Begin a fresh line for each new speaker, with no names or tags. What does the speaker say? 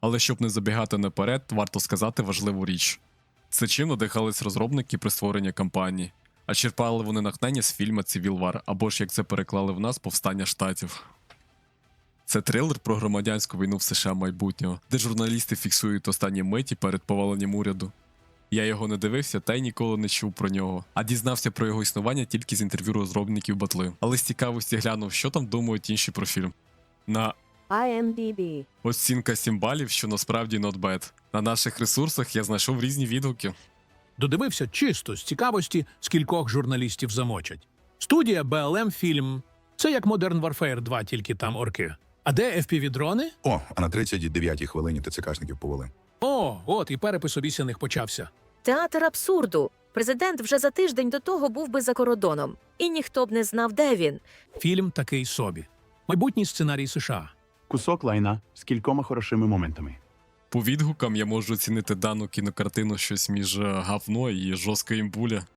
Але щоб не забігати наперед, варто сказати важливу річ. Це чим надихались розробники при створенні кампанії, а черпали вони натхнення з фільму Civil War, або ж як це переклали в нас Повстання Штатів. Це трилер про громадянську війну в США майбутнього, де журналісти фіксують останні миті перед поваленням уряду. Я його не дивився та й ніколи не чув про нього, а дізнався про його існування тільки з інтерв'ю розробників батли. Але з цікавості глянув, що там думають інші про фільм. На
IMDb.
оцінка 7 балів, що насправді not bad. На наших ресурсах я знайшов різні відгуки.
Додивився чисто з цікавості, скількох журналістів замочать. Студія BLM Фільм. Це як Modern Warfare 2, тільки там орки. А де FPV-дрони?
О, а на 39-й хвилині ТЦКшників повели.
О, от і перепис обіцяних почався.
Театр абсурду. Президент вже за тиждень до того був би за кордоном. І ніхто б не знав, де він.
Фільм такий собі. Майбутній сценарій США.
Кусок лайна з кількома хорошими моментами.
По відгукам я можу оцінити дану кінокартину щось між говно і жорсткою імбуля.